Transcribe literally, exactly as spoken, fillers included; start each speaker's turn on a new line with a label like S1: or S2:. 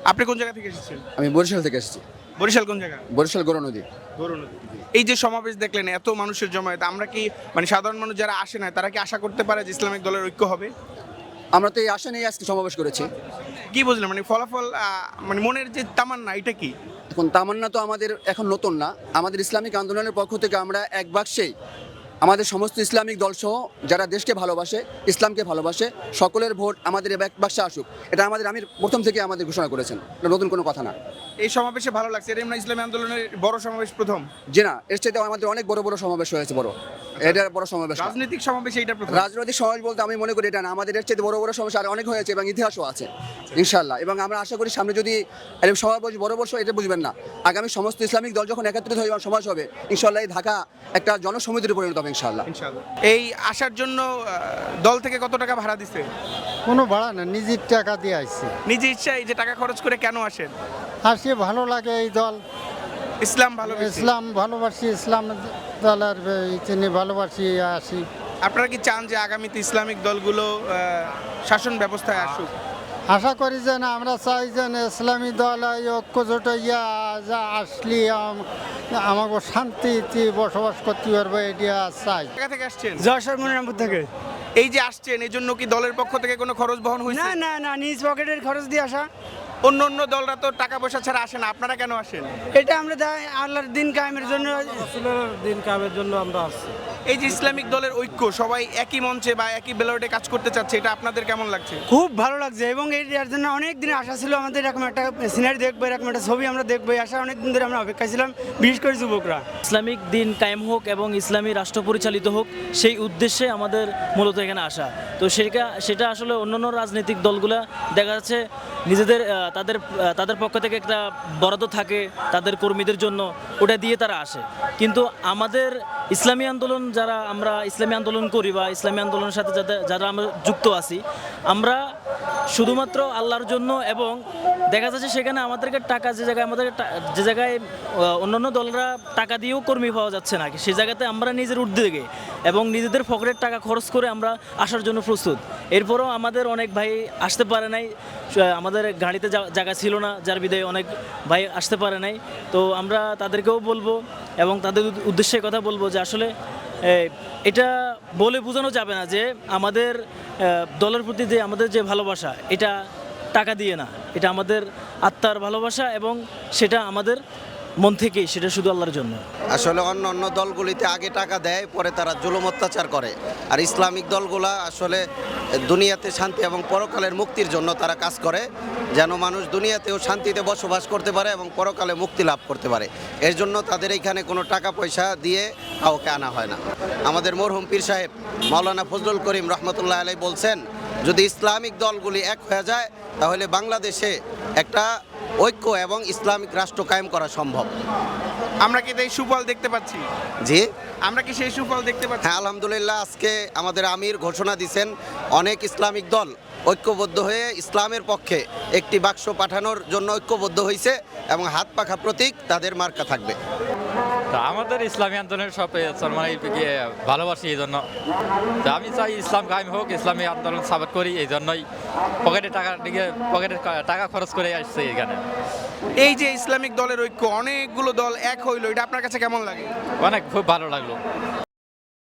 S1: আপনি কোন জায়গা থেকে এসেছেন?
S2: আমি বরিশাল থেকে এসেছি।
S1: বরিশাল কোন জায়গা?
S2: বরিশাল গৌর নদী।
S1: এই যে সমাবেশ দেখলেন, এত মানুষের জমায়েত, আমরা কি মানে সাধারণ মানুষ যারা আসে না তারা কি আশা করতে পারে যে ইসলামিক দলের ঐক্য হবে?
S2: আমরা তো এই আশা নিয়ে আজকে সমাবেশ করেছি।
S1: কি বুঝলেন মানে ফলাফল, আহ, মানে মনের যে তামান্না, এটা কি?
S2: এখন তামান্না তো আমাদের এখন নতুন না। আমাদের ইসলামিক আন্দোলনের পক্ষ থেকে আমরা এক বাক্সেই আমাদের সমস্ত ইসলামিক দলসহ যারা দেশকে ভালোবাসে, ইসলামকে ভালোবাসে, সকলের ভোট আমাদের এক বাক্সে আসুক, এটা আমাদের আমির প্রথম থেকে আমাদের ঘোষণা করেছেন। এটা নতুন কোনো কথা না।
S1: এই সমাবেশে ভালো লাগছে, এটা আমরা ইসলামী আন্দোলনের বড় সমাবেশ প্রথম।
S2: যে না, এর চাইতে আমাদের অনেক বড় বড় সমাবেশ হয়েছে। বড় এটা বড় সমাবেশ না।
S1: রাজনৈতিক সমাবেশে এটা প্রথম।
S2: রাজনৈতিক সমাবেশ বলতে আমি মনে করি এটা না, আমাদের এর চাইতে বড় বড় সমাবেশ আর অনেক হয়েছে এবং ইতিহাসও আছে ইনশাআল্লাহ। এবং আমরা আশা করি সামনে যদি এরকম সমাবেশ বড় বড়, এটা বুঝবেন না, আগামী সমস্ত ইসলামিক দল যখন একত্রিত হয়ে সমাজ হবে ইনশাআল্লাহ এই ঢাকা একটা জনসমিতিতে পরিণত হবে ইনশাআল্লাহ।
S1: ইনশাআল্লাহ। এই আসার জন্য আহ, দল থেকে কত টাকা ভাড়া দিছে?
S3: কোনো ভাড়া না, নিজের টাকা দিয়ে আসছি।
S1: নিজে ইচ্ছায় যে টাকা খরচ করে কেন আসেন?
S3: আসি ভালো লাগে এই দল,
S1: ইসলাম ভালো।
S3: ইসলাম ভালোবাসি, ইসলাম দলের তিনি ভালোবাসি আসি।
S1: আপনারা কি চান যে আগামীতে ইসলামিক দলগুলো আহ, শাসন ব্যবস্থায় আসুক?
S3: আশা করি যে না, আমরা চাই যে না, ইসলামী দল এই ঐক্যজোট ইয়া যা আসলি আম- আমাকে শান্তিতে বসবাস করতে পারবো, এটা চাই।
S1: কোথা থেকে আসছেন?
S4: যশোর মনিরামপুর থেকে।
S1: এই যে আসছেন, এই জন্য কি দলের পক্ষ থেকে কোনো খরচ বহন হয়েছে?
S4: না না না, নিজ পকেটের খরচ দিয়ে আসা।
S1: অন্য অন্য দলরা তো টাকা পয়সা ছাড়া আসে না, আপনারা কেন আসেন?
S4: এটা আমরা দেয় আল্লাহর দিন কায়েমের জন্য।
S5: দিন কামের জন্য আমরা আসছি।
S1: এই যে ইসলামিক দলের ঐক্য, সবাই একই মঞ্চে বা একই ব্যালটে কাজ করতে চাচ্ছে, এটা আপনাদের কেমন লাগছে?
S4: খুব ভালো লাগছে এবং এর জন্য অনেক দিন আশা ছিল আমাদের, এরকম একটা সিনারি দেখবো, এরকম একটা ছবি আমরা দেখবো, এই আশা অনেক দিন ধরে আমরা অপেক্ষা ছিলাম, বিশেষ করে যুবকরা।
S6: ইসলামিক দিন কায়েম হোক এবং ইসলামী রাষ্ট্র পরিচালিত হোক, সেই উদ্দেশ্যে আমাদের মূলত এখানে আসা। তো সেটা সেটা আসলে অন্যান্য রাজনৈতিক দলগুলা দেখা যাচ্ছে নিজেদের আহ, তাদের আহ, তাদের পক্ষ থেকে একটা বরাদ্দ থাকে তাদের কর্মীদের জন্য, ওটা দিয়ে তারা আসে। কিন্তু আমাদের ইসলামী আন্দোলন, যারা আমরা ইসলামী আন্দোলন করি বা ইসলামী আন্দোলনের সাথে যাদের যারা আমরা যুক্ত আছি, আমরা শুধুমাত্র আল্লাহর জন্য, এবং দেখা যাচ্ছে সেখানে আমাদেরকে টাকা যে জায়গায় আমাদের টা- যে জায়গায় আহ, অন্যান্য দলরা টাকা দিয়েও কর্মী পাওয়া যাচ্ছে না, সেই জায়গাতে আমরা নিজের উদ্যোগে এবং নিজেদের পকেটের টাকা খরচ করে আমরা আসার জন্য প্রস্তুত। এরপরও আমাদের অনেক ভাই আসতে পারে নাই, আহ, আমাদের গাড়িতে যা- জায়গা ছিল না, যার বিধায় অনেক ভাই আসতে পারে নাই। তো আমরা তাদেরকেও বলবো এবং তাদের উদ- উদ্দেশ্যে কথা বলবো যে আসলে এ, এটা বলে বোঝানো যাবে না যে আমাদের আহ, দলের প্রতি যে আমাদের যে ভালোবাসা, এটা টাকা দিয়ে না, এটা আমাদের আত্মার ভালোবাসা এবং সেটা আমাদের মন থেকেই, সেটা শুধু আল্লাহর জন্য।
S7: আসলে অন্য অন্য দলগুলিতে আগে টাকা দেয়, পরে তারা জুলুম অত্যাচার করে। আর ইসলামিক দলগুলা আসলে দুনিয়াতে শান্তি এবং পরকালের মুক্তির জন্য তারা কাজ করে, যেন মানুষ দুনিয়াতেও শান্তিতে বসবাস করতে পারে এবং পরকালে মুক্তি লাভ করতে পারে। এর জন্য তাদের এখানে কোনো টাকা পয়সা দিয়ে কাউকে আনা হয় না। আমাদের মরহুম পীর সাহেব মাওলানা ফজলুল করিম রহমতুল্লাহ আলাই বলছেন, যদি ইসলামিক দলগুলি এক হয়ে যায় তাহলে বাংলাদেশে একটা ঐক্য এবং ইসলামিক রাষ্ট্র কায়েম করা সম্ভব।
S1: আমরা কি এই সুফল দেখতে পাচ্ছি?
S7: জি
S1: আমরা কি সেই সুফল দেখতে পাচ্ছি?
S7: হ্যাঁ, আলহামদুলিল্লাহ। আজকে আমাদের আমির ঘোষণা দিয়েছেন অনেক ইসলামিক দল ঐক্যবদ্ধ হয়ে ইসলামের পক্ষে একটি বাক্স পাঠানোর জন্য ঐক্যবদ্ধ হয়েছে এবং হাত পাখা প্রতীক তাদের মার্কা থাকবে।
S5: তা আমাদের ইসলামী আন্দোলনের সব মানে ভালোবাসি, এই জন্য তা আমি চাই ইসলাম কায়েম হোক, ইসলামী আন্দোলন সাপোর্ট করি, এই জন্যই পকেটে টাকা দিকে পকেটে টাকা খরচ করে আসছে এখানে।
S1: এই যে ইসলামিক দলের ঐক্য, অনেকগুলো দল এক হইলো, এটা আপনার কাছে কেমন লাগে?
S5: অনেক খুব ভালো লাগলো।